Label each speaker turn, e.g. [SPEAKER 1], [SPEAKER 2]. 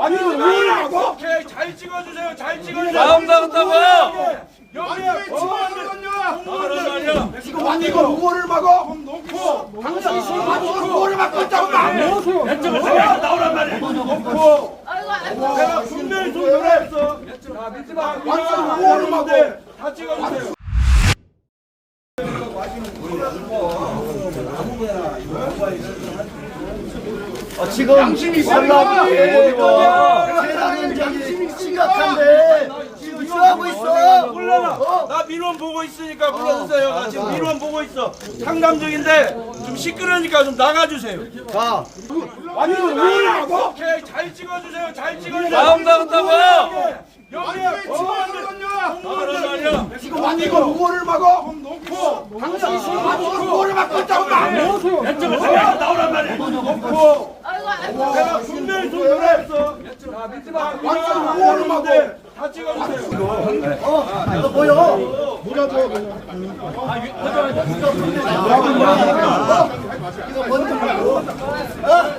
[SPEAKER 1] 아니 이거 뭐를 하고?
[SPEAKER 2] 오케이, 잘 찍어주세요. 잘 찍어주세요.
[SPEAKER 3] 마음 나갔다고요?
[SPEAKER 2] 여기에 공무원들
[SPEAKER 1] 지금 아니 이거 뭐를 막어?
[SPEAKER 2] 놓고
[SPEAKER 1] 당신이 지금 뭐를 막고 있다고 말.
[SPEAKER 2] 나오란 말이야. 놓고 내가 분명히 좀 노래했어. 자, 믿지 마.
[SPEAKER 1] 완전 뭐를 막어?
[SPEAKER 2] 다 찍어주세요.
[SPEAKER 4] 지금 양심이
[SPEAKER 1] 있습니다.
[SPEAKER 4] 세상은 저기 심각한데 지금 쇼하고 있어.
[SPEAKER 2] 몰라라. 나 민원 보고 있으니까 불러주세요. 나 지금 민원 보고 있어. 상담중인데 좀 시끄러우니까 좀 나가주세요.
[SPEAKER 4] 자,
[SPEAKER 1] 아니 이거 뭐를 하고?
[SPEAKER 2] 오케이, 잘 찍어주세요. 잘 찍어주세요.
[SPEAKER 3] 마음 나갔다고요?
[SPEAKER 2] 여기에 공무원들 나오란 말이야.
[SPEAKER 1] 지금 아니 이거 뭐를 막어?
[SPEAKER 2] 놓고
[SPEAKER 1] 당신이 지금 뭐를 막고 있다고 말.
[SPEAKER 2] 나오란 말이야. 놓고 내가 분명히 좀 노래했어. 자, 믿지 마.
[SPEAKER 1] 완전 뭐를 막어?
[SPEAKER 2] 다 찍어주세요.
[SPEAKER 4] 이거 보여? 이거 뭔지 모르고.